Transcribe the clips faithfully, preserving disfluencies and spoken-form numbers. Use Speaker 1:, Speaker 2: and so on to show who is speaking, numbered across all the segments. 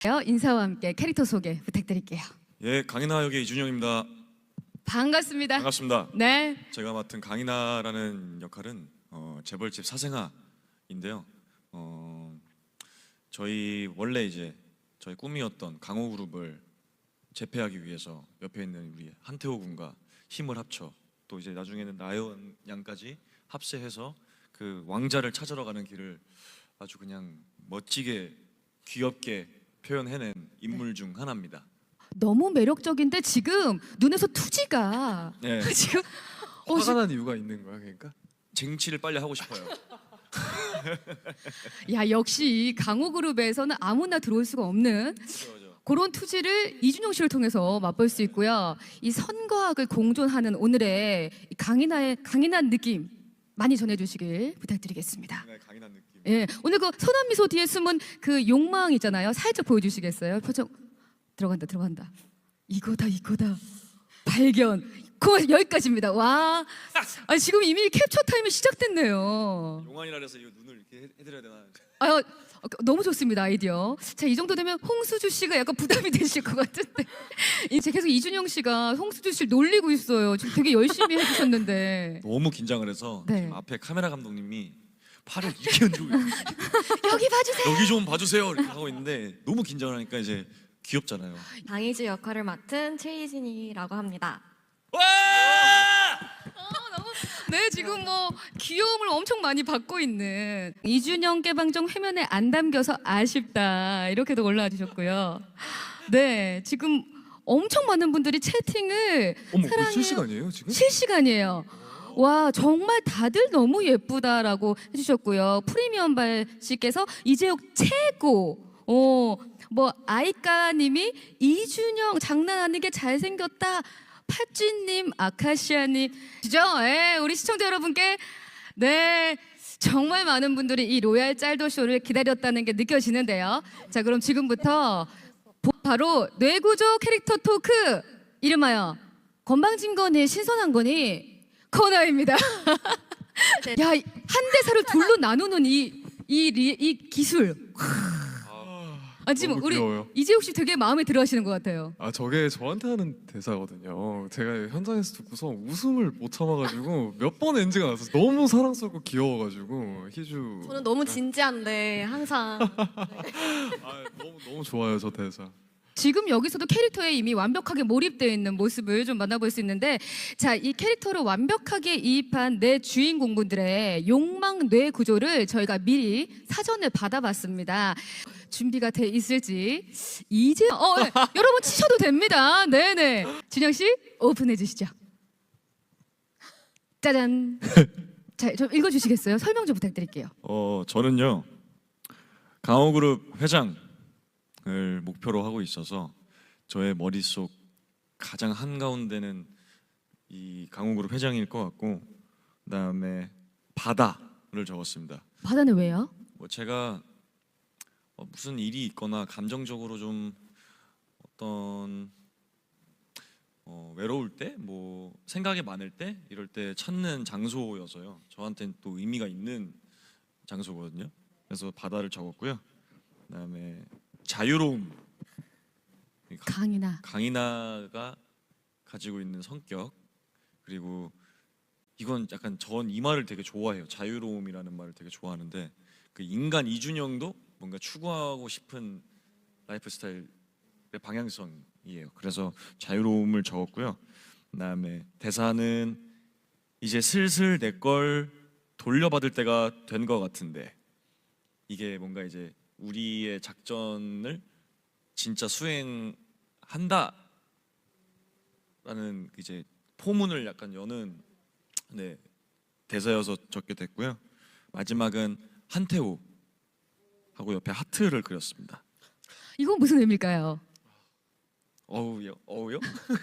Speaker 1: 인사와 함께 캐릭터 소개 부탁드릴게요.
Speaker 2: 예, 강인하 역의 이준영입니다.
Speaker 1: 반갑습니다.
Speaker 2: 반갑습니다.
Speaker 1: 네.
Speaker 2: 제가 맡은 강인하라는 역할은 어, 재벌집 사생아인데요. 어, 저희 원래 이제 저희 꿈이었던 강호그룹을 재패하기 위해서 옆에 있는 우리 한태호 군과 힘을 합쳐 또 이제 나중에는 나연 양까지 합세해서 그 왕자를 찾으러 가는 길을 아주 그냥 멋지게 귀엽게 표현해낸 인물 중 하나입니다.
Speaker 1: 너무 매력적인데 지금 눈에서 투지가
Speaker 2: 네.
Speaker 1: 지금 어,
Speaker 3: 화가
Speaker 1: 지-
Speaker 3: 난 이유가 있는 거야, 그러니까?
Speaker 2: 쟁취를 빨리 하고 싶어요.
Speaker 1: 야 역시 강호그룹에서는 아무나 들어올 수가 없는 그런 투지를 이준영 씨를 통해서 맛볼 수 있고요. 이 선과학을 공존하는 오늘의 이 강인한 강인한 느낌 많이 전해주시길 부탁드리겠습니다.
Speaker 2: 네, 강인한 느낌.
Speaker 1: 예, 오늘 그 선한 미소 뒤에 숨은 그 욕망 있잖아요. 살짝 보여주시겠어요? 표정 들어간다, 들어간다. 이거다, 이거다. 발견. 그 여기까지입니다. 와, 아, 지금 이미 캡처 타임이 시작됐네요.
Speaker 2: 용환이라 해서 이 눈을 이렇게 해- 해드려야 되나?
Speaker 1: 아, 너무 좋습니다 아이디어. 자, 이 정도 되면 홍수주 씨가 약간 부담이 되실 것 같은데 이제 계속 이준영 씨가 홍수주 씨를 놀리고 있어요. 지금 되게 열심히 해주셨는데
Speaker 2: 너무 긴장을 해서
Speaker 1: 네.
Speaker 2: 지금 앞에 카메라 감독님이 팔을 이렇게 흔들고 있어요.
Speaker 1: 여기 봐주세요.
Speaker 2: 여기 좀 봐주세요 이렇게 하고 있는데 너무 긴장을 하니까 이제 귀엽잖아요.
Speaker 4: 방이주 역할을 맡은 최희진이라고 합니다.
Speaker 2: 와!
Speaker 1: 네, 지금 뭐 귀여움을 엄청 많이 받고 있는 이준영 개방정 화면에 안 담겨서 아쉽다 이렇게도 올라와 주셨고요. 네, 지금 엄청 많은 분들이 채팅을
Speaker 3: 어머,
Speaker 1: 사랑해요.
Speaker 3: 그 실시간이에요 지금?
Speaker 1: 실시간이에요. 와 정말 다들 너무 예쁘다라고 해주셨고요. 프리미엄발 씨께서 이재욱 최고. 어뭐 아이까님이 이준영 장난 아니게 잘생겼다. 팥쥐님, 아카시아님, 그죠? 예, 우리 시청자 여러분께 네 정말 많은 분들이 이 로얄 짤도 쇼를 기다렸다는 게 느껴지는데요. 자 그럼 지금부터 바로 뇌구조 캐릭터 토크 이름하여 건방진 거니 신선한 거니 코너입니다. 야, 한 대사를 둘로 나누는 이, 이, 리- 이 기술. 아, 지금
Speaker 3: 너무
Speaker 1: 우리
Speaker 3: 귀여워요.
Speaker 1: 이재욱 씨 되게 마음에 들어 하시는 것 같아요.
Speaker 3: 아 저게 저한테 하는 대사거든요. 제가 현장에서 듣고서 웃음을 못 참아가지고 몇 번 엔지가 나서 너무 사랑스럽고 귀여워가지고 희주.
Speaker 4: 저는 너무 진지한데 항상
Speaker 3: 아, 너무 너무 좋아요 저 대사.
Speaker 1: 지금 여기서도 캐릭터에 이미 완벽하게 몰입되어 있는 모습을 좀 만나볼 수 있는데 자, 이 캐릭터를 완벽하게 이입한 내 주인공분들의 욕망 뇌 구조를 저희가 미리 사전에 받아봤습니다. 준비가 돼 있을지 이제 어 네. 여러분 치셔도 됩니다. 네네. 준영 씨 오픈해 주시죠. 짜잔. 자, 좀 읽어주시겠어요? 설명 좀 부탁드릴게요.
Speaker 2: 어 저는요 강호그룹 회장을 목표로 하고 있어서 저의 머릿속 가장 한 가운데는 이 강호그룹 회장일 것 같고 그다음에 바다를 적었습니다.
Speaker 1: 바다는 왜요?
Speaker 2: 뭐 제가 어, 무슨 일이 있거나 감정적으로 좀 어떤 어, 외로울 때, 뭐 생각이 많을 때 이럴 때 찾는 장소여서요. 저한테는 또 의미가 있는 장소거든요. 그래서 바다를 적었고요. 그다음에 자유로움.
Speaker 1: 강이나
Speaker 2: 강인하가 가지고 있는 성격 그리고 이건 약간 전 이 말을 되게 좋아해요. 자유로움이라는 말을 되게 좋아하는데 그 인간 이준영도 뭔가 추구하고 싶은 라이프 스타일의 방향성이에요. 그래서 자유로움을 적었고요. 그다음에 대사는 이제 슬슬 내 걸 돌려받을 때가 된 것 같은데 이게 뭔가 이제 우리의 작전을 진짜 수행한다라는 이제 포문을 약간 여는 네, 대사여서 적게 됐고요. 마지막은 한태호 하고 옆에 하트를 그렸습니다.
Speaker 1: 이건 무슨 의미일까요?
Speaker 2: 어우요, 어우요?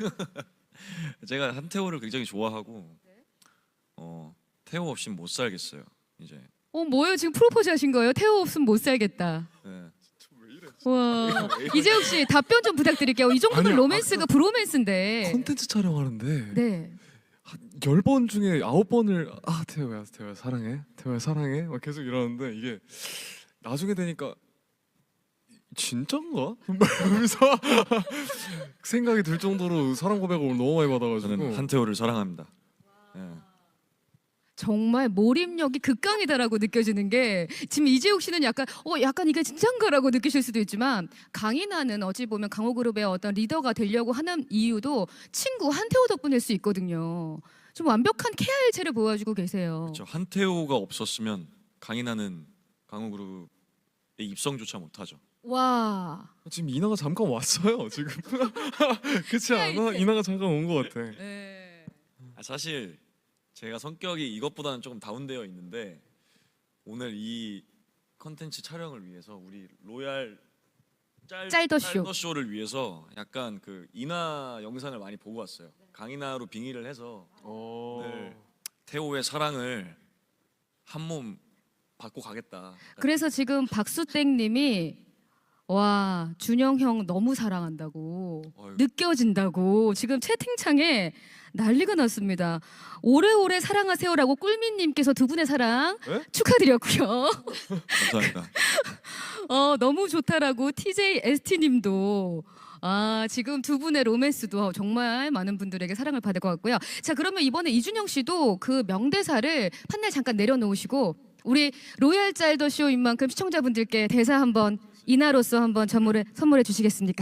Speaker 2: 제가 한태호를 굉장히 좋아하고 어, 태호 없이는 못 살겠어요. 이제
Speaker 1: 어 뭐예요? 지금 프로포즈 하신 거예요? 태호 없으면 못 살겠다.
Speaker 2: 네.
Speaker 1: 와 이재욱 씨 답변 좀 부탁드릴게요. 이 정도면
Speaker 3: 아니요,
Speaker 1: 로맨스가 브로맨스인데.
Speaker 3: 콘텐츠 촬영하는데
Speaker 1: 네.
Speaker 3: 열 번 중에 아홉 번을 아 태호야 태호야 사랑해 태호야 사랑해 막 계속 이러는데 이게 나중에 되니까 진짠가? 이러면서 생각이 들 정도로 사랑 고백을 너무 많이 받아가지고
Speaker 2: 저는 한태호를 사랑합니다. 예.
Speaker 1: 정말 몰입력이 극강이다라고 느껴지는 게 지금 이재욱 씨는 약간 어 약간 이게 진짠가라고 느끼실 수도 있지만 강인하는 어찌 보면 강호그룹의 어떤 리더가 되려고 하는 이유도 친구 한태호 덕분일 수 있거든요. 좀 완벽한 케어 일체를 보여주고 계세요.
Speaker 2: 그렇죠. 한태호가 없었으면 강인하는 강호그룹의 입성조차 못하죠.
Speaker 1: 와.
Speaker 3: 지금 이나가 잠깐 왔어요 지금. 그렇지 않아? 이나가 잠깐 온 것 같아.
Speaker 1: 네.
Speaker 2: 아, 사실 제가 성격이 이것보다는 조금 다운되어 있는데 오늘 이 컨텐츠 촬영을 위해서 우리 로얄 짤,
Speaker 1: 짤더쇼.
Speaker 2: 짤더쇼를 위해서 약간 그 이나 영상을 많이 보고 왔어요. 강인하로 빙의를 해서
Speaker 3: 어...
Speaker 2: 네. 태호의 사랑을 한 몸 받고 가겠다.
Speaker 1: 그래서 지금 박수땡님이 와 준영 형 너무 사랑한다고
Speaker 2: 어휴.
Speaker 1: 느껴진다고 지금 채팅창에 난리가 났습니다. 오래오래 사랑하세요라고 꿀미님께서 두 분의 사랑
Speaker 3: 에?
Speaker 1: 축하드렸고요.
Speaker 2: 감사합니다.
Speaker 1: 어 너무 좋다라고 티제이 에스티님도 아 지금 두 분의 로맨스도 정말 많은 분들에게 사랑을 받을 것 같고요. 자 그러면 이번에 이준영 씨도 그 명대사를 판넬 잠깐 내려놓으시고 우리 로얄 짤더 쇼인 만큼 시청자분들께 대사 한번 이나로서 한번 선물해 선물해 주시겠습니까?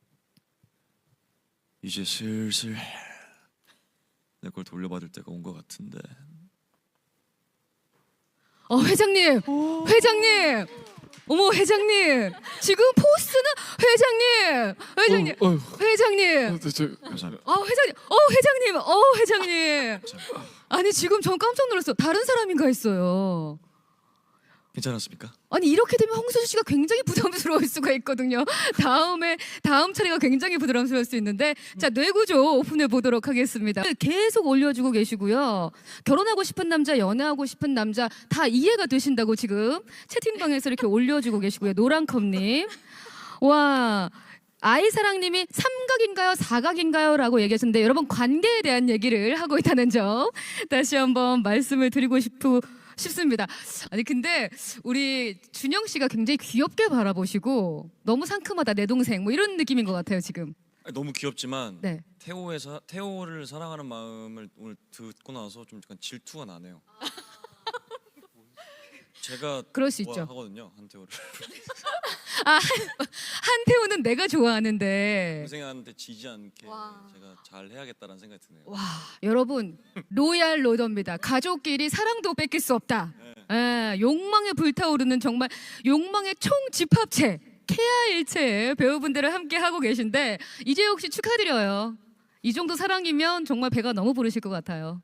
Speaker 2: 이제 슬슬 내 걸 돌려받을 때가 온 것 같은데.
Speaker 1: 어 회장님, 회장님, 어머 회장님, 지금 포스는 회장님, 회장님,
Speaker 3: 어, 어,
Speaker 1: 회장님,
Speaker 3: 어, 저,
Speaker 2: 감사합니다.
Speaker 1: 어 회장님, 어 회장님, 어 회장님. 아니 지금 전 깜짝 놀랐어. 다른 사람인가 했어요.
Speaker 2: 괜찮았습니까?
Speaker 1: 아니 이렇게 되면 홍수수 씨가 굉장히 부담스러울 수가 있거든요. 다음에 다음 차례가 굉장히 부담스러울 수 있는데 자 뇌구조 오픈해 보도록 하겠습니다. 계속 올려주고 계시고요. 결혼하고 싶은 남자, 연애하고 싶은 남자 다 이해가 되신다고 지금 채팅방에서 이렇게 올려주고 계시고요. 노랑컵님, 와. 아이사랑님이 삼각인가요, 사각인가요?라고 얘기하셨는데 여러분 관계에 대한 얘기를 하고 있다는 점 다시 한번 말씀을 드리고 싶고. 싶습니다. 아니 근데 우리 준영 씨가 굉장히 귀엽게 바라보시고 너무 상큼하다 내 동생 뭐 이런 느낌인 것 같아요 지금.
Speaker 2: 아니, 너무 귀엽지만
Speaker 1: 네.
Speaker 2: 태호의 사, 태호를 사랑하는 마음을 오늘 듣고 나서 좀 약간 질투가 나네요. 제가
Speaker 1: 그럴 수 있죠.
Speaker 2: 좋아하거든요 한태호를.
Speaker 1: 아 한태호는 내가 좋아하는데.
Speaker 2: 동생한테 지지 않게
Speaker 4: 와.
Speaker 2: 제가 잘 해야겠다라는 생각이 드네요.
Speaker 1: 와 여러분 로얄 로더입니다. 가족끼리 사랑도 뺏길 수 없다. 예, 욕망에 불타오르는 정말 욕망의 총 집합체 케아 일체의 배우분들을 함께 하고 계신데 이재욱 씨 축하드려요. 이 정도 사랑이면 정말 배가 너무 부르실 것 같아요.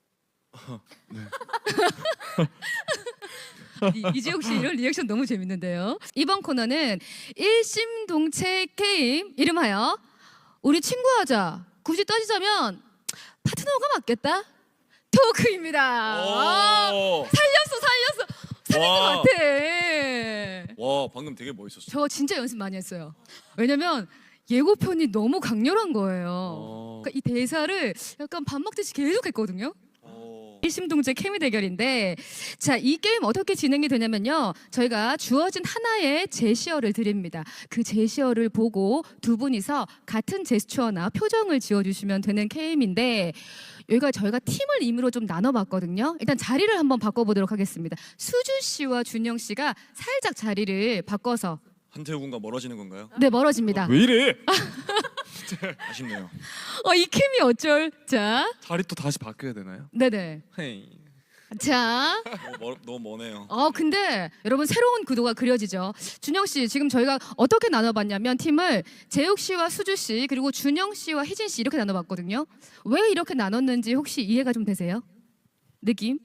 Speaker 1: 이- 이재욱 씨 이런 리액션 너무 재밌는데요. 이번 코너는 일심동체 게임 이름하여 우리 친구하자. 굳이 따지자면 파트너가 맞겠다. 토크입니다. 아,
Speaker 2: 오!
Speaker 1: 살렸어 살렸어 살린 것
Speaker 2: 와.
Speaker 1: 같아.
Speaker 2: 와 방금 되게 멋있었어.
Speaker 1: 저 진짜 연습 많이 했어요. 왜냐면 예고편이 너무 강렬한 거예요.
Speaker 3: 어...
Speaker 1: 그러니까 이 대사를 약간 밥 먹듯이 계속 했거든요.
Speaker 2: 오.
Speaker 1: 일심동체 케미 대결인데 자 이 게임 어떻게 진행이 되냐면요 저희가 주어진 하나의 제시어를 드립니다. 그 제시어를 보고 두 분이서 같은 제스처나 표정을 지어주시면 되는 게임인데 여기가 저희가 팀을 임의로 좀 나눠봤거든요. 일단 자리를 한번 바꿔보도록 하겠습니다. 수주 씨와 준영 씨가 살짝 자리를 바꿔서
Speaker 2: 한태호 군과 멀어지는 건가요?
Speaker 1: 네 멀어집니다.
Speaker 3: 왜 이래?
Speaker 2: 아쉽네요.
Speaker 1: 어, 이 케미 어쩔? 자
Speaker 3: 자리 또 다시 바뀌어야 되나요?
Speaker 1: 네네
Speaker 3: 헤이.
Speaker 1: 자
Speaker 2: 너무, 멀, 너무 머네요.
Speaker 1: 어 근데 여러분 새로운 구도가 그려지죠. 준영 씨 지금 저희가 어떻게 나눠봤냐면 팀을 재욱 씨와 수주 씨 그리고 준영 씨와 희진 씨 이렇게 나눠봤거든요. 왜 이렇게 나눴는지 혹시 이해가 좀 되세요? 느낌?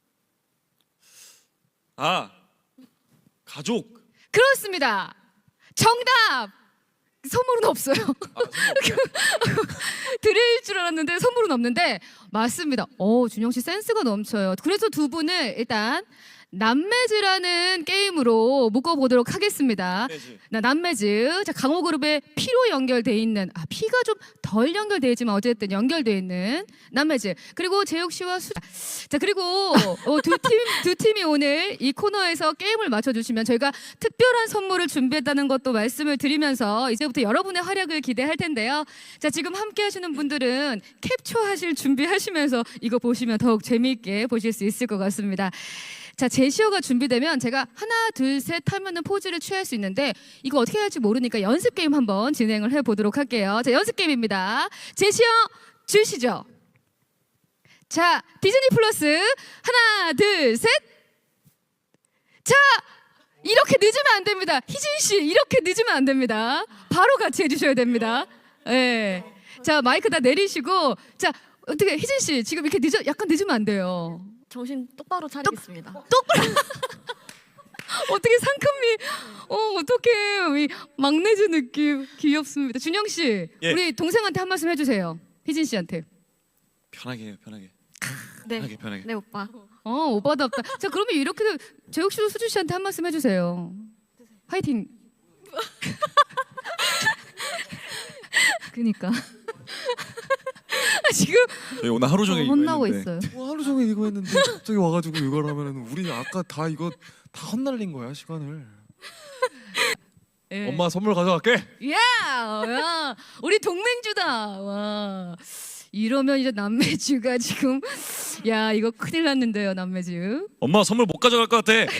Speaker 2: 아 가족.
Speaker 1: 그렇습니다. 정답. 선물은 없어요.
Speaker 2: 아,
Speaker 1: 드릴 줄 알았는데 선물은 없는데 맞습니다. 어 준영 씨 센스가 넘쳐요. 그래서 두 분을 일단 남매즈라는 게임으로 묶어보도록 하겠습니다. 나 남매즈. 자, 강호그룹의 P로 연결돼 있는, 아, P가 좀 덜 연결돼 있지만 어쨌든 연결돼 있는 남매즈. 그리고 재욱 씨와 수. 자, 그리고 어, 두 팀, 두 팀이 오늘 이 코너에서 게임을 맞춰주시면 저희가 특별한 선물을 준비했다는 것도 말씀을 드리면서 이제부터 여러분의 활약을 기대할 텐데요. 자, 지금 함께 하시는 분들은 캡처하실 준비하시면서 이거 보시면 더욱 재미있게 보실 수 있을 것 같습니다. 자, 제시어가 준비되면 제가 하나, 둘, 셋 하면은 포즈를 취할 수 있는데 이거 어떻게 할지 모르니까 연습 게임 한번 진행을 해보도록 할게요. 자, 연습 게임입니다. 제시어 주시죠. 자, 디즈니 플러스 하나, 둘, 셋. 자, 이렇게 늦으면 안 됩니다. 희진 씨, 이렇게 늦으면 안 됩니다. 바로 같이 해주셔야 됩니다. 예. 네. 자, 마이크 다 내리시고, 자, 어떻게 희진 씨 지금 이렇게 늦어, 약간 늦으면 안 돼요.
Speaker 4: 정신 똑바로 차리겠습니다.
Speaker 1: 똑바로. 어떻게 상큼미, 어 어떻게 이 막내즈 느낌 귀엽습니다. 준영 씨,
Speaker 2: 예.
Speaker 1: 우리 동생한테 한 말씀 해주세요. 희진 씨한테.
Speaker 2: 편하게 해요, 편하게.
Speaker 4: 네,
Speaker 2: 편하게, 편하게.
Speaker 4: 네 오빠.
Speaker 1: 어 오빠답다. 자, 그러면 이렇게 재욱 씨도 수주 씨한테 한 말씀 해주세요. 화이팅. 그니까. 지금
Speaker 2: 저희 오늘 하루 종일
Speaker 1: 어,
Speaker 2: 이거
Speaker 1: 혼나고
Speaker 2: 했는데.
Speaker 1: 있어요.
Speaker 3: 뭐 하루 종일 이거 했는데 갑자기 와가지고 이걸 하면은 우리 아까 다 이거 다 헛날린 거야 시간을.
Speaker 1: 예.
Speaker 3: 엄마 선물 가져갈게.
Speaker 1: 야, 야, 우리 동맹주다. 와, 이러면 이제 남매주가 지금, 야, 이거 큰일 났는데요, 남매주.
Speaker 2: 엄마 선물 못 가져갈 것 같아.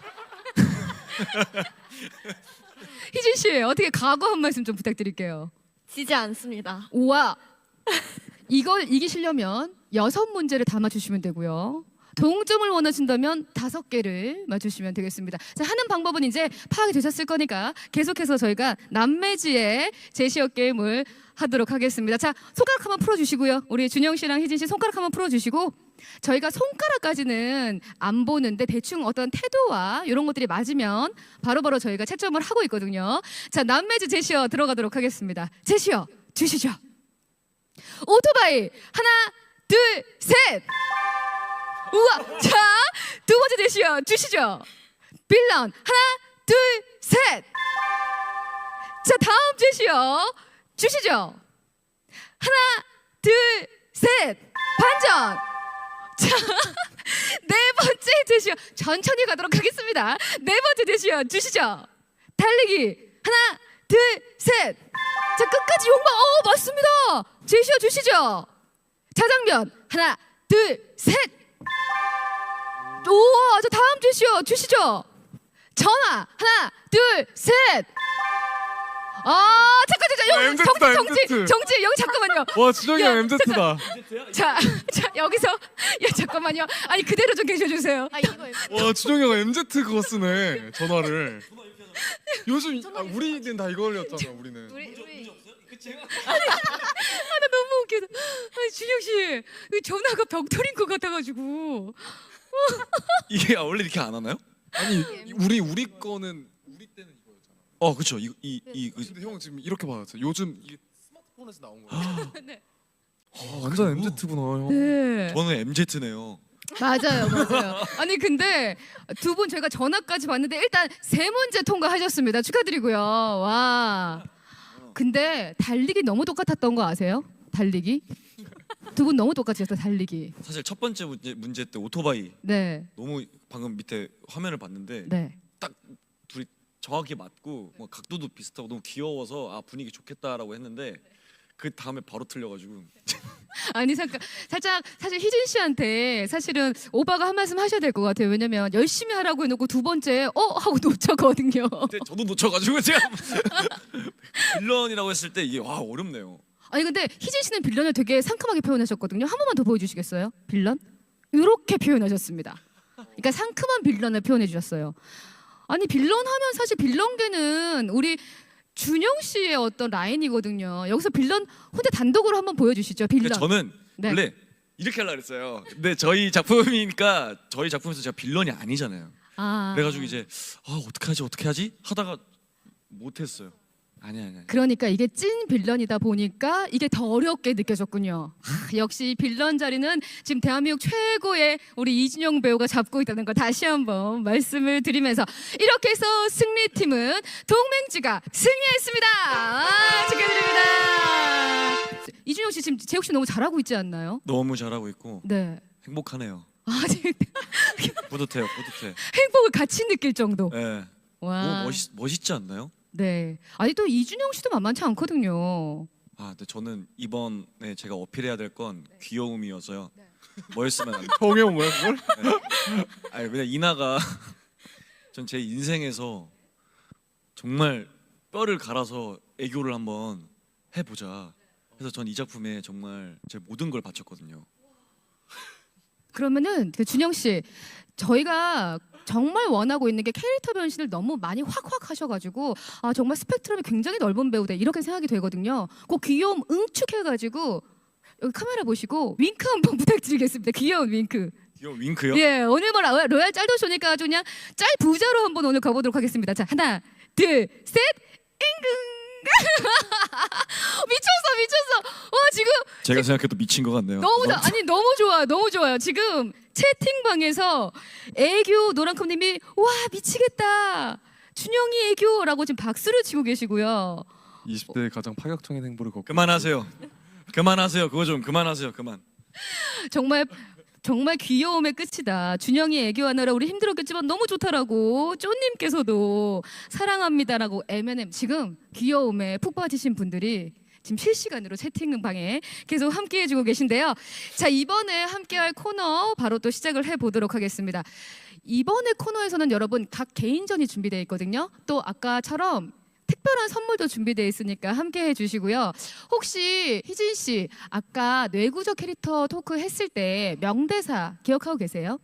Speaker 1: 희진 씨, 어떻게 각오 한 말씀 좀 부탁드릴게요.
Speaker 4: 지지 않습니다.
Speaker 1: 우와, 이걸 이기시려면 여섯 문제를 다 맞추시면 되고요. 동점을 원하신다면 다섯 개를 맞추시면 되겠습니다. 자, 하는 방법은 이제 파악이 되셨을 거니까 계속해서 저희가 남매지의 제시어 게임을 하도록 하겠습니다. 자, 손가락 한번 풀어주시고요. 우리 준영 씨랑 희진 씨 손가락 한번 풀어주시고, 저희가 손가락까지는 안 보는데 대충 어떤 태도와 이런 것들이 맞으면 바로바로 저희가 채점을 하고 있거든요. 자, 남매지 제시어 들어가도록 하겠습니다. 제시어 주시죠. 오토바이 하나, 둘, 셋. 우와, 자, 두 번째 제시어 주시죠. 빌런 하나, 둘, 셋. 자, 다음 제시어 주시죠. 하나, 둘, 셋. 반전. 자, 네 번째 제시어 천천히 가도록 하겠습니다. 네 번째 제시어 주시죠. 달리기 하나, 둘, 셋. 자, 끝까지 용방. 어, 맞습니다. 제시어 주시죠. 자장면 하나, 둘, 셋. 우와, 자, 다음 제시어 주시죠. 전화 하나, 둘, 셋. 아, 잠깐, 잠깐,
Speaker 3: 아,
Speaker 1: 여기
Speaker 3: 엠제트다,
Speaker 1: 정지, 정지,
Speaker 3: 엠제트.
Speaker 1: 정지, 여기 잠깐만요.
Speaker 3: 와 준영이
Speaker 1: 야,
Speaker 3: 형 엠제트다.
Speaker 1: 자, 자, 여기서, 야, 잠깐만요. 아니, 그대로 좀 계셔주세요.
Speaker 4: 아 이거
Speaker 3: 와 준영이 형 엠제트 그거 쓰네 전화를. 요즘 아, 우리는 다 이걸렸잖아 우리는.
Speaker 4: 우리 우리
Speaker 1: 아, 나 너무 웃겨. 아니, 준영 씨, 이 전화가 벽돌인 것 같아가지고.
Speaker 2: 이게 원래 이렇게 안 하나요?
Speaker 3: 아니 우리 우리 거는 우리 때는 이거였잖아.
Speaker 2: 어, 그렇죠. 이이 이, 이,
Speaker 3: 근데 형 지금 이렇게 받았어. 요즘 이게 스마트폰에서 나온 거야.
Speaker 1: 네.
Speaker 3: 아, 완전 엠제트구나 형.
Speaker 1: 네.
Speaker 2: 저는 엠제트네요.
Speaker 1: 맞아요, 맞아요. 아니, 근데 두 분 저희가 전화까지 봤는데 일단 세 문제 통과하셨습니다. 축하드리고요. 와. 근데 달리기 너무 똑같았던 거 아세요? 달리기? 두 분 너무 똑같으셨어요, 달리기.
Speaker 2: 사실 첫 번째 문제, 문제 때 오토바이
Speaker 1: 네,
Speaker 2: 너무 방금 밑에 화면을 봤는데
Speaker 1: 네.
Speaker 2: 딱 둘이 정확히 맞고 뭐 각도도 비슷하고 너무 귀여워서 아 분위기 좋겠다라고 했는데 그 다음에 바로 틀려가지고
Speaker 1: 아니, 잠깐, 살짝 사실 희진 씨한테 사실은 오빠가 한 말씀 하셔야 될 것 같아요. 왜냐면 열심히 하라고 해놓고 두 번째 어 하고 놓쳤거든요.
Speaker 2: 그때 저도 놓쳐가지고 제가 빌런이라고 했을 때 이게 와 어렵네요.
Speaker 1: 아니, 근데 희진 씨는 빌런을 되게 상큼하게 표현하셨거든요. 한 번만 더 보여주시겠어요? 빌런? 이렇게 표현하셨습니다. 그러니까 상큼한 빌런을 표현해 주셨어요. 아니, 빌런 하면 사실 빌런계는 우리 준영 씨의 어떤 라인이거든요. 여기서 빌런 혼자 단독으로 한번 보여주시죠. 빌런.
Speaker 2: 근데 저는
Speaker 1: 네.
Speaker 2: 원래 이렇게 하려고 했어요. 근데 저희 작품이니까 저희 작품에서 제가 빌런이 아니잖아요.
Speaker 1: 아.
Speaker 2: 그래가지고 이제 아 어떻게 하지 어떻게 하지 하다가 못했어요. 아니 아니. 아니.
Speaker 1: 그러니까 이게 찐 빌런이다 보니까 이게 더 어렵게 느껴졌군요. 하, 역시 빌런 자리는 지금 대한민국 최고의 우리 이준영 배우가 잡고 있다는 거 다시 한번 말씀을 드리면서 이렇게 해서 승리팀은 동맹지가 승리했습니다. 아, 축하드립니다. 이준영 씨 지금 재욱 씨 너무 잘하고 있지 않나요?
Speaker 2: 너무 잘하고 있고
Speaker 1: 네.
Speaker 2: 행복하네요.
Speaker 1: 아, 지금
Speaker 2: 뿌듯해요. 뿌듯해.
Speaker 1: 행복을 같이 느낄 정도.
Speaker 2: 네.
Speaker 1: 와.
Speaker 2: 너무 멋있 멋있지 않나요?
Speaker 1: 네. 아니 또 이준영 씨도 만만치 않거든요.
Speaker 2: 아, 근데 저는 이번에 제가 어필해야 될 건 귀여움이어서요. 뭐였으면 안 돼.
Speaker 3: 정해온 뭐야 그걸?
Speaker 2: 아니 왜냐 이나가 전 제 인생에서 정말 뼈를 갈아서 애교를 한번 해보자. 그래서 전 이 작품에 정말 제 모든 걸 바쳤거든요.
Speaker 1: 그러면은 그 준영 씨 저희가 정말 원하고 있는 게 캐릭터 변신을 너무 많이 확확 하셔가지고 아 정말 스펙트럼이 굉장히 넓은 배우다 이렇게 생각이 되거든요. 그 귀여움 응축해가지고 여기 카메라 보시고 윙크 한번 부탁드리겠습니다. 귀여운 윙크.
Speaker 2: 귀여운 윙크요?
Speaker 1: 예 오늘 뭐 라- 로얄 짤도쇼니까 아주 그냥 짤 부자로 한번 오늘 가보도록 하겠습니다. 자 하나 둘 셋 잉금. 미쳤어 미쳤어. 와 지금
Speaker 2: 제가 생각해도 미친 것 같네요.
Speaker 1: 너무 자, 아니 너무 좋아요 너무 좋아요 지금 채팅방에서 애교 노랑컴님이 와 미치겠다 준영이 애교라고 지금 박수를 치고 계시고요.
Speaker 3: 이십 대의 가장 파격적인 행보를 걷고
Speaker 2: 그만하세요. 그만하세요. 그거 좀 그만하세요. 그만.
Speaker 1: 정말 정말 귀여움의 끝이다. 준영이 애교하느라 우리 힘들었겠지만 너무 좋다라고 쪼님께서도 사랑합니다라고 엠앤엠 지금 귀여움에 푹 빠지신 분들이 지금 실시간으로 채팅방에 계속 함께해주고 계신데요. 자 이번에 함께할 코너 바로 또 시작을 해보도록 하겠습니다. 이번에 코너에서는 여러분 각 개인전이 준비되어 있거든요. 또 아까처럼 특별한 선물도 준비되어 있으니까 함께해 주시고요. 혹시 희진 씨 아까 뇌구조 캐릭터 토크 했을 때 명대사 기억하고 계세요?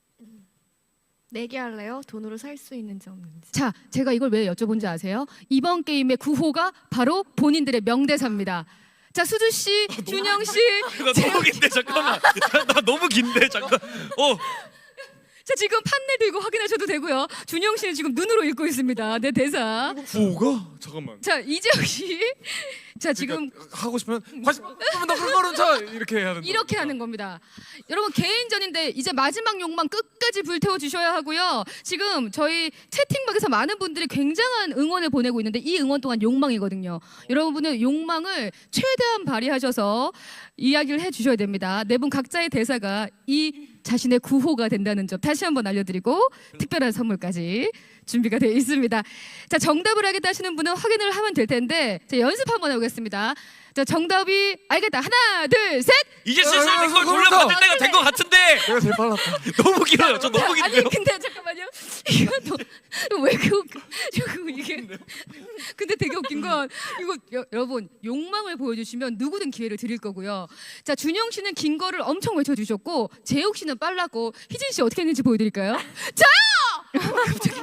Speaker 4: 내기 할래요? 돈으로 살 수 있는지 없는지.
Speaker 1: 자, 제가 이걸 왜 여쭤본지 아세요? 이번 게임의 구호가 바로 본인들의 명대사입니다. 자, 수주 씨, 준영 씨,
Speaker 2: 나 너무 긴데 잠깐만. 나 너무 긴데 잠깐. 어.
Speaker 1: 자 지금 판넬 들고 확인하셔도 되고요. 준영 씨는 지금 눈으로 읽고 있습니다. 내 대사.
Speaker 3: 구호가? 잠깐만
Speaker 1: 자, 이재혁 씨, 자 지금
Speaker 3: 그러니까 하고 싶으면 다시 그러면 나 그거는 자 이렇게 해야 된다.
Speaker 1: 이렇게 하는 겁니다. 여러분 개인전인데 이제 마지막 욕망 끝까지 불태워 주셔야 하고요. 지금 저희 채팅방에서 많은 분들이 굉장한 응원을 보내고 있는데 이 응원 또한 욕망이거든요. 여러분은 욕망을 최대한 발휘하셔서 이야기를 해주셔야 됩니다. 네 분 각자의 대사가 이 자신의 구호가 된다는 점 다시 한번 알려드리고 특별한 선물까지 준비가 되어 있습니다. 자 정답을 알겠다 하시는 분은 확인을 하면 될 텐데 자, 연습 한번 해보겠습니다. 자 정답이 알겠다 하나 둘 셋.
Speaker 2: 이제 슬슬
Speaker 3: 아,
Speaker 2: 이걸
Speaker 3: 그거
Speaker 2: 골라받을 때가 된 것 같은데.
Speaker 3: 내가 제일 빨랐다.
Speaker 2: 너무 길어요. 저 너무
Speaker 1: 자,
Speaker 2: 긴데요.
Speaker 1: 아니 근데 잠깐만요. 이거 너왜 그 저거 이게 근데 되게 웃긴 건 이거 여, 여러분 욕망을 보여주시면 누구든 기회를 드릴 거고요. 자 준영 씨는 긴 거를 엄청 외쳐주셨고 재욱 씨는 빨랐고 희진 씨 어떻게 했는지 보여드릴까요? 저요! 갑자기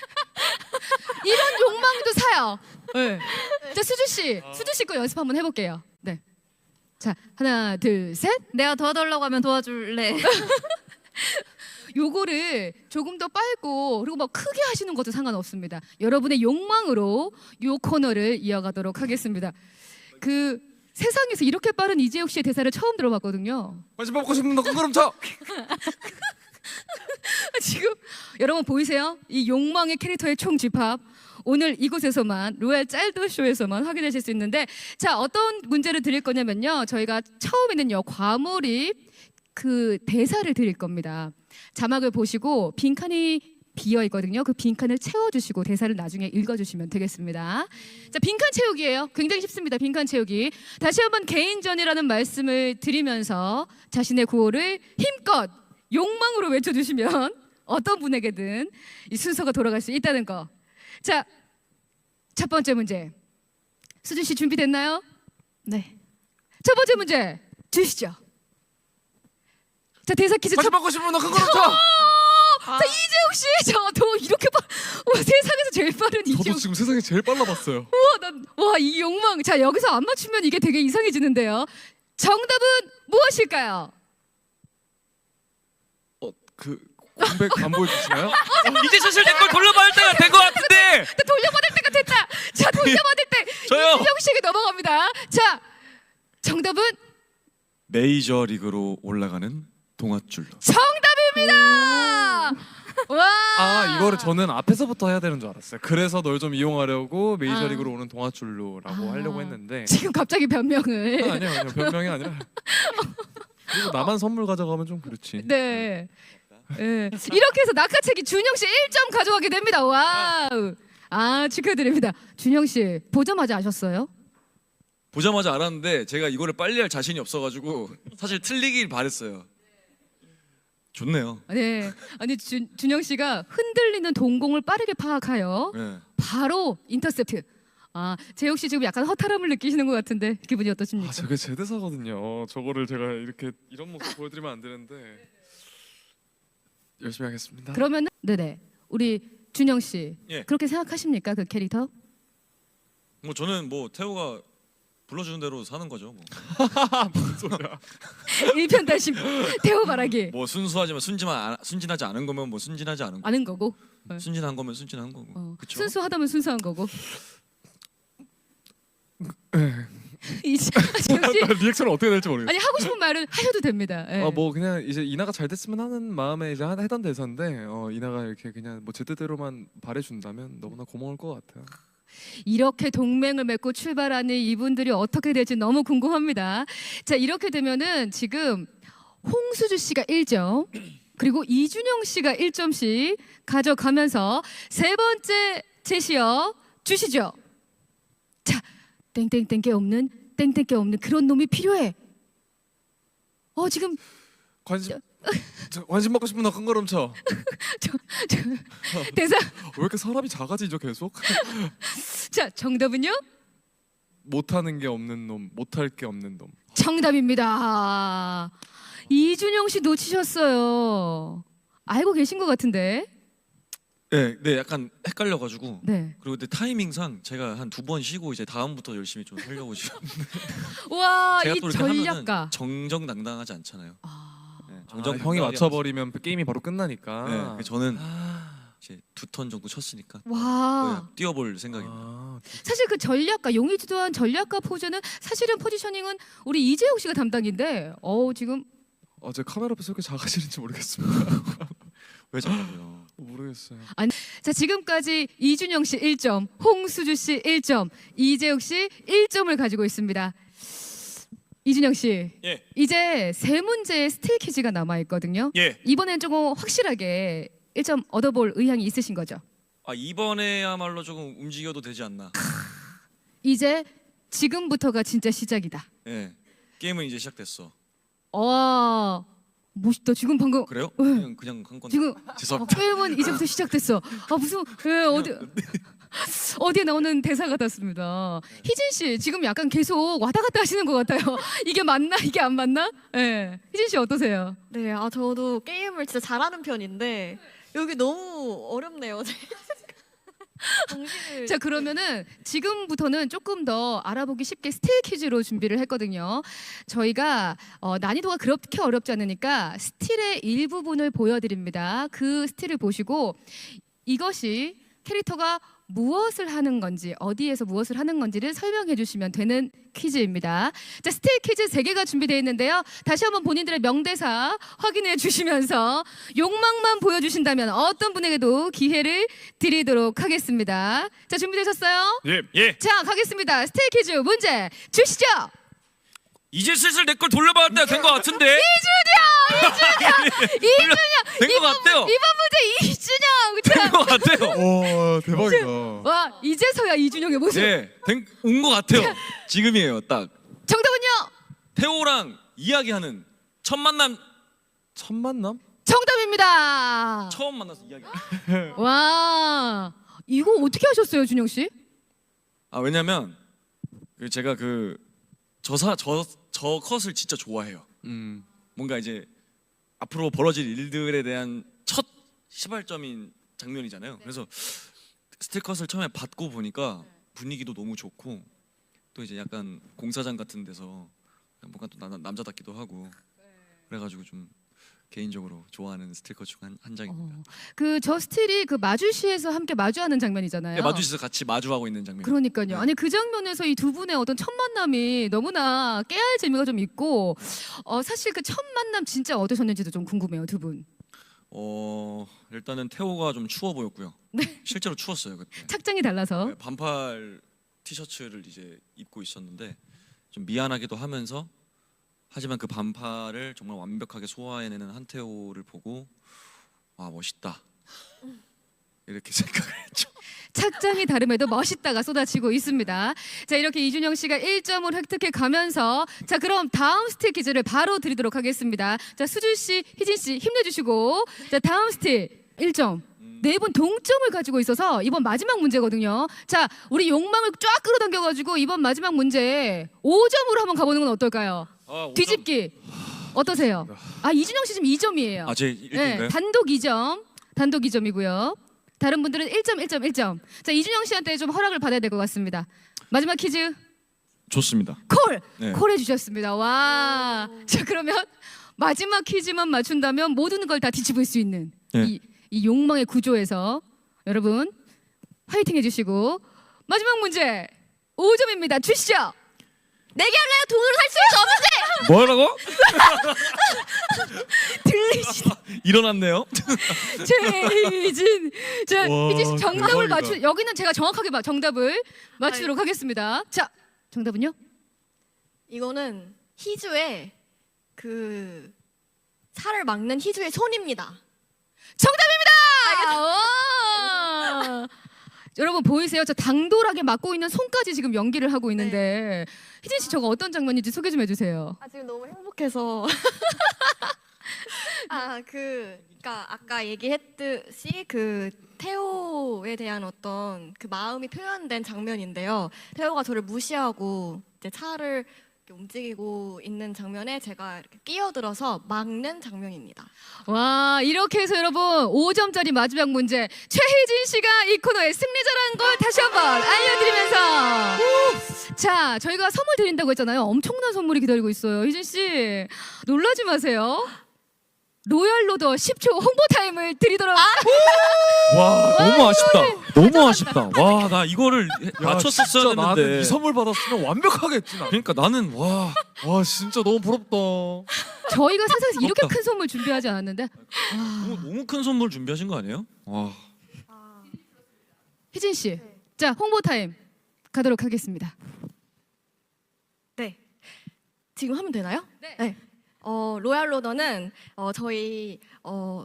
Speaker 1: 이런 욕망도 사요. 네. 자 수주 씨, 수주 씨 거 연습 한번 해볼게요. 네. 자 하나 둘 셋.
Speaker 4: 내가 도와달라고 하면 도와줄래.
Speaker 1: 요거를 조금 더 빨고 그리고 막 크게 하시는 것도 상관없습니다. 여러분의 욕망으로 요 코너를 이어가도록 하겠습니다. 그 세상에서 이렇게 빠른 이재욱 씨의 대사를 처음 들어봤거든요.
Speaker 3: 관심 받고 싶으면 나 그거는 자.
Speaker 1: 지금 여러분 보이세요? 이 욕망의 캐릭터의 총집합 오늘 이곳에서만 로얄 짤드 쇼에서만 확인하실 수 있는데 자 어떤 문제를 드릴 거냐면요 저희가 처음에는요 과몰입 그 대사를 드릴 겁니다. 자막을 보시고 빈칸이 비어 있거든요. 그 빈칸을 채워주시고 대사를 나중에 읽어주시면 되겠습니다. 자 빈칸 채우기예요. 굉장히 쉽습니다. 빈칸 채우기. 다시 한번 개인전이라는 말씀을 드리면서 자신의 구호를 힘껏 욕망으로 외쳐주시면 어떤 분에게든 이 순서가 돌아갈 수 있다는 거. 자, 첫 번째 문제. 수준 씨 준비됐나요?
Speaker 4: 네.
Speaker 1: 첫 번째 문제 주시죠. 자, 대사 퀴즈 첫
Speaker 3: 관심 받고 싶으면 나 그거는 자.
Speaker 1: 자, 이재욱 씨, 저도 이렇게 빠, 와 세상에서 제일 빠른
Speaker 3: 저도
Speaker 1: 이재욱.
Speaker 3: 지금 세상에 제일 빨라봤어요.
Speaker 1: 와, 난, 와, 이 욕망. 자, 여기서 안 맞추면 이게 되게 이상해지는데요. 정답은 무엇일까요?
Speaker 3: 어 그 공백 안 보여주시나요?
Speaker 2: 이제 슬슬 내 걸 돌려받을 때가 된 것 같은데.
Speaker 1: 또 돌려받을 때가 됐다. 자, 돌려받을 때
Speaker 2: 저요.
Speaker 1: 이준영 씨에게 넘어갑니다. 자, 정답은
Speaker 2: 메이저 리그로 올라가는 동아줄로.
Speaker 1: 정답입니다. 와.
Speaker 3: 아 이거를 저는 앞에서부터 해야 되는 줄 알았어요. 그래서 널 좀 이용하려고 메이저리그로
Speaker 1: 아.
Speaker 3: 오는 동아줄로라고
Speaker 1: 아.
Speaker 3: 하려고 했는데
Speaker 1: 지금 갑자기 변명을.
Speaker 3: 아, 아니요 아니요 변명이 아니라 그리고 나만 선물 가져가면 좀 그렇지.
Speaker 1: 네. 네. 이렇게 해서 낙하책이 준영 씨 일 점 가져가게 됩니다. 와우. 아, 축하드립니다. 준영 씨 보자마자 아셨어요?
Speaker 2: 보자마자 알았는데 제가 이거를 빨리 할 자신이 없어가지고 사실 틀리길 바랬어요. 좋네요.
Speaker 1: 네. 아니 준, 준영 씨가 흔들리는 동공을 빠르게 파악하여
Speaker 2: 네.
Speaker 1: 바로 인터셉트. 아, 재혁 씨 지금 약간 허탈함을 느끼시는 것 같은데 기분이 어떠십니까?
Speaker 3: 아 저게 제 대사거든요. 저거를 제가 이렇게 이런 모습 보여드리면 안 되는데 열심히 하겠습니다.
Speaker 1: 그러면은 네네 우리 준영 씨
Speaker 2: 예.
Speaker 1: 그렇게 생각하십니까 그 캐릭터?
Speaker 2: 뭐 저는 뭐 태호가 불러주는 대로 사는 거죠. 뭐,
Speaker 3: 무슨 소리야?
Speaker 1: 일편단심 태호 바라기
Speaker 2: 뭐 순수하지만 순진하, 순진하지 않은 거면 뭐 순진하지 않은 거.
Speaker 1: 아는 거고 네.
Speaker 2: 순진한 거면 순진한 거고.
Speaker 1: 어,
Speaker 2: 그쵸?
Speaker 1: 순수하다면 순수한 거고. 이제 재혁 씨
Speaker 3: 리액션을 어떻게 될지 모르겠어요.
Speaker 1: 아니 하고 싶은 말은 하셔도 됩니다. 예.
Speaker 3: 아 뭐 그냥 이제 이나가 잘 됐으면 하는 마음에 이제 하- 하던 대사인데 어, 이나가 이렇게 그냥 뭐 제 뜻대로만 바래준다면 너무나 고마울 것 같아요.
Speaker 1: 이렇게 동맹을 맺고 출발하는 이분들이 어떻게 될지 너무 궁금합니다. 자 이렇게 되면은 지금 홍수주 씨가 일 점 그리고 이준영 씨가 일 점씩 가져가면서 세 번째 제시어 주시죠. 자 땡땡땡 게 없는 땡땡 게 없는 그런 놈이 필요해. 어 지금
Speaker 3: 관심 저, 관심 받고 싶은 너 큰 걸음 쳐.
Speaker 1: 대사
Speaker 3: 왜 이렇게 사람이 작아지죠 계속?
Speaker 1: 자 정답은요?
Speaker 3: 못하는 게 없는 놈, 못할 게 없는 놈.
Speaker 1: 정답입니다. 이준영 씨 놓치셨어요. 알고 계신 것 같은데.
Speaker 2: 네, 네, 약간 헷갈려가지고.
Speaker 1: 네.
Speaker 2: 그리고 근데 타이밍상 제가 한 두 번 쉬고 이제 다음부터 열심히 좀 하려고 지금.
Speaker 1: 와,
Speaker 2: 제가
Speaker 1: 이
Speaker 2: 또 이렇게 하면은
Speaker 1: 전략가.
Speaker 2: 정정당당하지 않잖아요.
Speaker 1: 아,
Speaker 2: 네,
Speaker 3: 아,
Speaker 2: 정정당당하게
Speaker 3: 형이
Speaker 2: 하면서.
Speaker 3: 맞춰버리면 게임이 바로 끝나니까.
Speaker 2: 네, 그래서 저는
Speaker 3: 아,
Speaker 2: 이제 두 턴 정도 쳤으니까
Speaker 1: 와.
Speaker 2: 네, 뛰어볼 생각입니다.
Speaker 3: 아,
Speaker 1: 사실 그 전략가 용의주도한 전략가 포즈는 사실은 포지셔닝은 우리 이재욱 씨가 담당인데, 어 지금
Speaker 3: 어, 제 카메라 앞에서 이렇게 작아지는지 모르겠습니다.
Speaker 2: 왜 자꾸요?
Speaker 3: 모르겠어요.
Speaker 1: 자 지금까지 이준영 씨 일 점, 홍수주 씨 일 점, 이재욱 씨 일 점을 가지고 있습니다. 이준영 씨,
Speaker 2: 예,
Speaker 1: 이제 세 문제의 스틸 퀴즈가 남아 있거든요.
Speaker 2: 예.
Speaker 1: 이번엔 조금 확실하게 일 점 얻어볼 의향이 있으신 거죠?
Speaker 2: 아 이번에야말로 조금 움직여도 되지 않나.
Speaker 1: 이제 지금부터가 진짜 시작이다.
Speaker 2: 예, 게임은 이제 시작됐어.
Speaker 1: 와 멋있다. 지금 방금
Speaker 2: 그래요?
Speaker 1: 네.
Speaker 2: 그냥 그냥 한 건데.
Speaker 1: 지금
Speaker 2: 죄송합니다.
Speaker 1: 어, 게임은 이제부터 시작됐어. 아 무슨 예, 어디 어디에 나오는 대사 같았습니다. 희진 씨 지금 약간 계속 왔다 갔다 하시는 것 같아요. 이게 맞나 이게 안 맞나? 예, 희진 씨 어떠세요?
Speaker 4: 네, 아 저도 게임을 진짜 잘하는 편인데 여기 너무 어렵네요. 정신을
Speaker 1: 자 그러면은 지금부터는 조금 더 알아보기 쉽게 스틸 퀴즈로 준비를 했거든요. 저희가 어, 난이도가 그렇게 어렵지 않으니까 스틸의 일부분을 보여드립니다. 그 스틸을 보시고 이것이 캐릭터가 무엇을 하는 건지 어디에서 무엇을 하는 건지를 설명해 주시면 되는 퀴즈입니다. 자 스틸 퀴즈 세 개가 준비되어 있는데요. 다시 한번 본인들의 명대사 확인해 주시면서 욕망만 보여주신다면 어떤 분에게도 기회를 드리도록 하겠습니다. 자 준비되셨어요?
Speaker 2: 예, 예.
Speaker 1: 자 가겠습니다. 스틸 퀴즈 문제 주시죠.
Speaker 2: 이제 슬슬 내 걸 돌려받을 때가 된 것 같은데.
Speaker 1: 이준영
Speaker 2: 된것 같아요.
Speaker 1: 이번 문제 이준영 자,
Speaker 2: 된 것 같아요.
Speaker 3: 와 대박이다.
Speaker 1: 와 이제서야 이준영의 모습.
Speaker 2: 네, 온 것 같아요. 지금이에요, 딱.
Speaker 1: 정답은요?
Speaker 2: 태호랑 이야기하는 첫 만남,
Speaker 3: 첫 만남?
Speaker 1: 정답입니다.
Speaker 2: 처음 만나서 이야기.
Speaker 1: 와 이거 어떻게 하셨어요, 준영 씨?
Speaker 2: 아 왜냐면 그 제가 그 저사 저 저 컷을 진짜 좋아해요.
Speaker 3: 음.
Speaker 2: 뭔가 이제 앞으로 벌어질 일들에 대한 첫 시발점인 장면이잖아요. 그래서 스틸컷을 처음에 받고 보니까 분위기도 너무 좋고 또 이제 약간 공사장 같은 데서 뭔가 또 나- 남자답기도 하고 그래가지고 좀 개인적으로 좋아하는 스티커 중 한 한 장입니다.
Speaker 1: 어, 그저 스틸이 그 마주시에서 함께 마주하는 장면이잖아요.
Speaker 2: 네, 마주시에서 같이 마주하고 있는 장면.
Speaker 1: 그러니까요.
Speaker 2: 네.
Speaker 1: 아니 그 장면에서 이 두 분의 어떤 첫 만남이 너무나 깨알 재미가 좀 있고 어, 사실 그 첫 만남 진짜 어떠셨는지도 좀 궁금해요, 두 분.
Speaker 2: 어 일단은 태호가 좀 추워 보였고요.
Speaker 1: 네.
Speaker 2: 실제로 추웠어요 그때.
Speaker 1: 착장이 달라서.
Speaker 2: 네, 반팔 티셔츠를 이제 입고 있었는데 좀 미안하기도 하면서 하지만 그 반팔을 정말 완벽하게 소화해내는 한태호를 보고 와 멋있다 이렇게 생각을 했죠.
Speaker 1: 착장이 다름에도 멋있다가 쏟아지고 있습니다. 자, 이렇게 이준영 씨가 일 점을 획득해 가면서 자, 그럼 다음 스틸 퀴즈를 바로 드리도록 하겠습니다. 자, 수준 씨, 희진 씨 힘내주시고 자, 다음 스틸 일 점. 네 분 동점을 가지고 있어서 이번 마지막 문제거든요. 자, 우리 욕망을 쫙 끌어당겨가지고 이번 마지막 문제 오 점으로 한번 가보는 건 어떨까요?
Speaker 2: 아, 오 점.
Speaker 1: 뒤집기 어떠세요? 아, 이준영 씨 지금 이 점이에요.
Speaker 2: 아, 제 일 등인가요?
Speaker 1: 네, 단독 이 점, 단독 이 점이고요. 다른 분들은 일 점, 일 점, 일 점. 자, 이준영 씨한테 좀 허락을 받아야 될 것 같습니다. 마지막 퀴즈
Speaker 2: 좋습니다.
Speaker 1: 콜!
Speaker 2: 네.
Speaker 1: 콜 해주셨습니다. 와. 자, 그러면 마지막 퀴즈만 맞춘다면 모든 걸 다 뒤집을 수 있는
Speaker 2: 네.
Speaker 1: 이, 이 욕망의 구조에서 여러분 화이팅 해주시고 마지막 문제 오 점입니다. 주시죠.
Speaker 4: 내게 할래요? 돈으로 살 수 있는
Speaker 2: 뭐라고?
Speaker 1: 들리시
Speaker 2: 일어났네요.
Speaker 1: 최희진. 자,
Speaker 3: 와,
Speaker 1: 희진 씨 정답을
Speaker 3: 대박이다.
Speaker 1: 맞추. 여기는 제가 정확하게 마- 정답을 맞추도록 하겠습니다. 자, 정답은요?
Speaker 4: 이거는 희주의 그 살을 막는 희주의 손입니다.
Speaker 1: 정답입니다. 와! 여러분 보이세요? 저 당돌하게 막고 있는 손까지 지금 연기를 하고 있는데 희진 씨 저거 어떤 장면인지 소개 좀 해주세요.
Speaker 4: 아 지금 너무 행복해서 아 그 그러니까 아까 얘기했듯이 그 태호에 대한 어떤 그 마음이 표현된 장면인데요. 태호가 저를 무시하고 이제 차를 이렇게 움직이고 있는 장면에 제가 이렇게 끼어들어서 막는 장면입니다.
Speaker 1: 와, 이렇게 해서 여러분 오 점짜리 마지막 문제 최희진 씨가 이 코너의 승리자라는 걸 다시 한번 알려드리면서 자, 저희가 선물 드린다고 했잖아요. 엄청난 선물이 기다리고 있어요. 희진 씨 놀라지 마세요. 로얄 로더 십 초 홍보 타임을 드리도록
Speaker 2: 와 너무 아쉽다. 너무 아쉽다. 와 나 이거를 해- 맞췄었어야
Speaker 3: 진짜 나는
Speaker 2: 됐는데.
Speaker 3: 이 선물 받았으면 완벽하게 했지 나.
Speaker 2: 그러니까 나는 와
Speaker 3: 와 진짜 너무 부럽다.
Speaker 1: 저희가 세상에서 이렇게
Speaker 2: 부럽다.
Speaker 1: 큰 선물 준비하지 않았는데
Speaker 2: 너무, 너무 큰 선물 준비하신 거 아니에요? 와
Speaker 1: 희진 씨, 자 홍보 타임 가도록 하겠습니다.
Speaker 4: 네. 지금 하면 되나요?
Speaker 1: 네.
Speaker 4: 어, 로얄 로더는 어, 저희 어,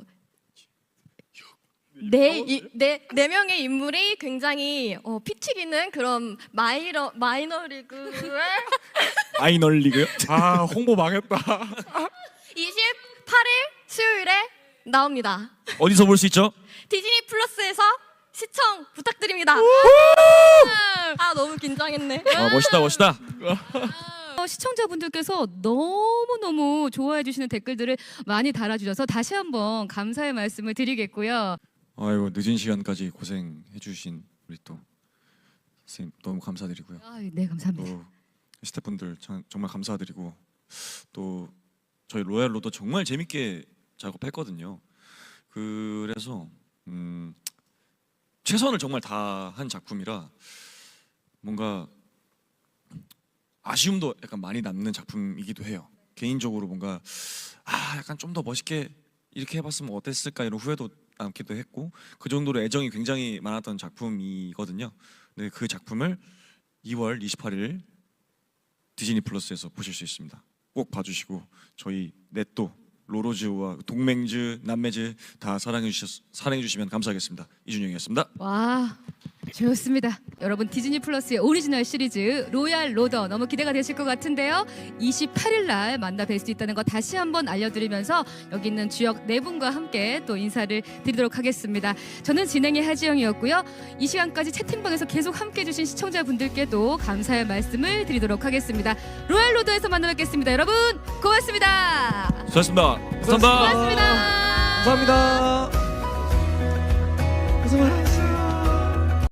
Speaker 4: 네, 이, 네, 네 명의 인물이 굉장히 어, 피 튀기는 그런 마이너 마이너리그의
Speaker 2: 아이널리그요?
Speaker 3: 아 홍보 망했다.
Speaker 4: 이십팔 일 수요일에 나옵니다.
Speaker 2: 어디서 볼 수 있죠?
Speaker 4: 디즈니 플러스에서 시청 부탁드립니다. 아 너무 긴장했네.
Speaker 2: 아 멋있다 멋있다.
Speaker 1: 어, 시청자분들께서 너무너무 좋아해 주시는 댓글들을 많이 달아주셔서 다시 한번 감사의 말씀을 드리겠고요.
Speaker 2: 아이고 늦은 시간까지 고생해 주신 우리 또 선생님 너무 감사드리고요.
Speaker 1: 아, 네, 감사합니다.
Speaker 2: 또 스태프분들 참- 정말 감사드리고 또 저희 로얄 로더 정말 재밌게 작업했거든요. 그래서 음, 최선을 정말 다한 작품이라 뭔가 아쉬움도 약간 많이 남는 작품이기도 해요. 개인적으로 뭔가 아 약간 좀 더 멋있게 이렇게 해봤으면 어땠을까 이런 후회도 남기도 했고 그 정도로 애정이 굉장히 많았던 작품이거든요. 네, 그 작품을 이월 이십팔일 디즈니 플러스에서 보실 수 있습니다. 꼭 봐주시고 저희 넷도 로로즈와 동맹즈, 남매즈 다 사랑해 주셨 사랑해 주시면 감사하겠습니다. 이준영이었습니다.
Speaker 1: 와, 좋습니다. 여러분 디즈니 플러스의 오리지널 시리즈 로얄 로더 너무 기대가 되실 것 같은데요. 이십팔일 날 만나 뵐 수 있다는 거 다시 한번 알려드리면서 여기 있는 주역 네 분과 함께 또 인사를 드리도록 하겠습니다. 저는 진행의 하지영이었고요. 이 시간까지 채팅방에서 계속 함께해주신 시청자분들께도 감사의 말씀을 드리도록 하겠습니다. 로얄 로더에서 만나 뵙겠습니다. 여러분 고맙습니다.
Speaker 2: 수고하셨습니다. 감사합니다.
Speaker 1: 고맙습니다.
Speaker 3: 감사합니다.